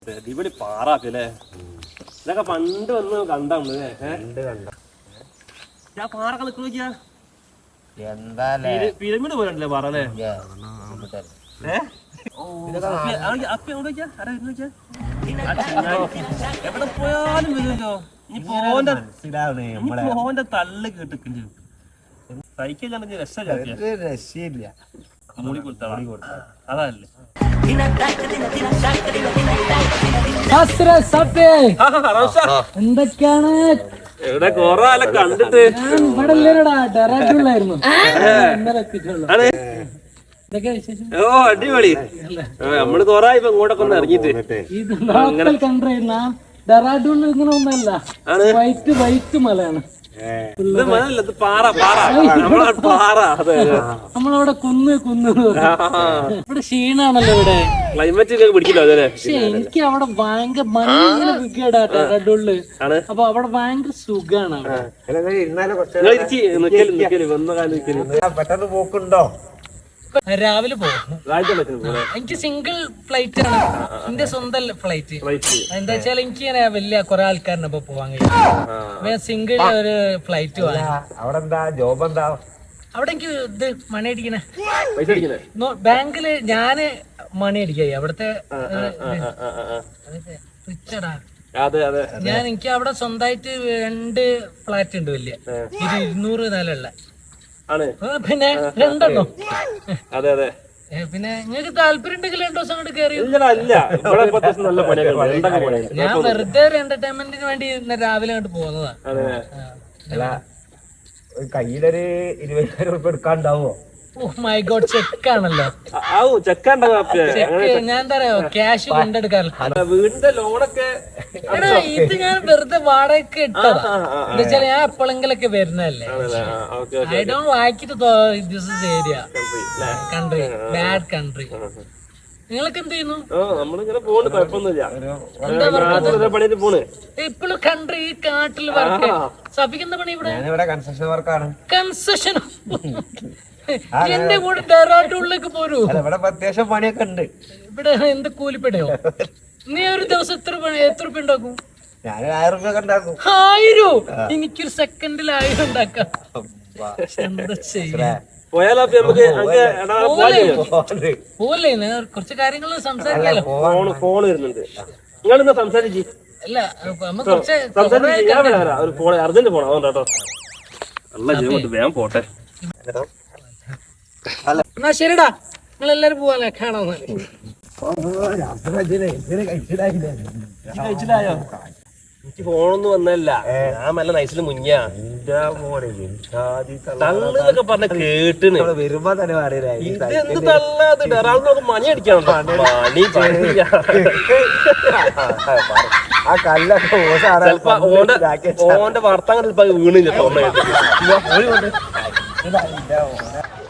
അടിപൊളി പാറാക്കല്ലേ ഇതൊക്കെ പണ്ട് വന്ന് കണ്ടാണ് ഞാൻ പാറൊക്കെ നിൽക്കു നോക്കിയാ പിരമിഡ് പോലല്ലേ പാറ അല്ലേ എവിടെ പോയാലും വരുമല്ലോ ഇനി തള്ളു കേട്ടിട്ടുണ്ട് സൈക്കിൾ രക്ഷയില്ല മൂടി കൊടുത്താ അതല്ലേ എന്തൊക്കെയാണ് എവിടെ കൊറേ കണ്ടിട്ട് ഇവിടെ ഇല്ലടാ ഡെറാഡൂണിലായിരുന്നു ഇന്നലെ എത്തിയിട്ടുള്ളൂ. എന്തൊക്കെയാ വിശേഷം? ഓ അടിപൊളി നമ്മള് കൊറേ ഇപ്പൊ ഇങ്ങോട്ടൊക്കെ ഒന്ന് ഇറങ്ങിട്ട് ഇത് ലോക്കൽ കൺട്രി ഡെറാഡൂണിൽ ഇങ്ങനെ ഒന്നല്ല, വൈറ്റ് മലയാണ്. ഇത് മലല്ല, ഇത് പാറ നമ്മളെ പാറ. നമ്മളവിടെ കുന്ന് ഇവിടെ ക്ഷീണാണല്ലോ ഇവിടെ. ക്ലൈമറ്റ് പിടിക്കില്ല അതല്ലേ. പക്ഷെ എനിക്ക് അവിടെ ഭയങ്കര മഞ്ഞിങ്ങനെ വിൽക്കടാ ഡെറാഡൂണില്. അപ്പൊ അവിടെ ഭയങ്കര സുഖാണ്. പെട്ടെന്ന് പോക്കുണ്ടോ? രാവിലെ പോകും. എനിക്ക് സിംഗിൾ ഫ്ലൈറ്റ് ആണ്, എന്റെ സ്വന്തം ഫ്ലൈറ്റ്. എന്താ വെച്ചാൽ എനിക്ക് ഇങ്ങനെ വലിയ കുറെ ആൾക്കാരിനൊപ്പൊ പോവാൻ കഴിയും. സിംഗിൾ ഒരു ഫ്ലൈറ്റ് വാങ്ങി. അവിടെ എന്താ ജോബ് എന്താ? അവിടെ എനിക്ക് ഇത് മണി അടിക്കണേ ബാങ്കില് ഞാന് മണി അടിക്കായി അവിടത്തെ റിച്ചടാ. ഞാൻ എനിക്ക് അവിടെ സ്വന്തമായിട്ട് 2 ഫ്ലാറ്റ് ഉണ്ട്, വലിയ 200 നിലയുള്ള. പിന്നെ 2 പിന്നെ നിങ്ങൾക്ക് താല്പര്യം ഉണ്ടെങ്കിൽ 2 ദിവസം കൊണ്ട് കയറി. ഞാൻ വെറുതെ ഒരു എന്റർടൈൻമെന്റിന് വേണ്ടി ഇന്ന് രാവിലെ അങ്ങോട്ട് പോകുന്നതാ. കയ്യിലൊരു 20,000 രൂപ എടുക്കാണ്ടാവോ? Oh my God, ചെക്കാണല്ലോ. ഞാൻ എന്താ പറയാ, ക്യാഷ് കൊണ്ടെടുക്കാറില്ല. വീടിന്റെ ലോണൊക്കെ ഇത് ഞാൻ വെറുതെ വാടകയ്ക്ക് ഇട്ടതാ. എന്താ വെച്ചാൽ ഞാൻ എപ്പോഴെങ്കിലൊക്കെ വരുന്നതല്ലേ. I don't like it this is area country, bad country. നിങ്ങളൊക്കെ എന്ത് ചെയ്യുന്നു? ഇപ്പോഴും കൺട്രി ഈ കാട്ടിൽ വർക്ക്. സഫിക്ക് എന്താ പണി ഇവിടെ? കൺസ്ട്രക്ഷൻ വർക്കാണ്. കൺസ്ട്രക്ഷൻ. എന്റെ കൂടെ ഡെറാഡൂണിലേക്ക് പോരൂ. ഇവിടെ അത്യാവശ്യം പണിയൊക്കെ ഉണ്ട്. ഇവിടെ എന്ത് കൂലിപ്പടയോ? നീ ഒരു ദിവസം എത്ര രൂപ ഉണ്ടാക്കും? ഞാൻ 1000 രൂപ ഉണ്ടാക്കും. 1000? എനിക്കൊരു സെക്കൻഡിൽ 1000 ഉണ്ടാക്കാം. എന്താ ചെയ്യാ? പോലെ കുറച്ച് കാര്യങ്ങൾ സംസാരിക്കാലോ. ഫോൺ വരുന്നുണ്ട്, നിങ്ങളിന്ന് സംസാരിച്ച്. അല്ല കുറച്ച് അർജന്റ് പോണോ കേട്ടോ. വേഗം പോട്ടെ. എന്നാ ശരിടാ, നിങ്ങൾ എല്ലാരും പോവാല്ലേ, കാണാൻ. കഴിച്ചിട്ടായോ? എനിക്ക് ഫോണൊന്നും വന്നല്ല, ഞാൻ നല്ല നൈസില് മുങ്ങിയ തള്ളൊക്കെ പറഞ്ഞ കേട്ടിന് വരുമ്പോ തന്നെ പറയലേ ഇതെന്ത് തള്ളത്. ഡെറാഡൂണിനൊക്കെ മണി അടിക്കണം. ആ കല്ലൊക്കെ ഓന്റെ വർത്താനം വീണില്ല.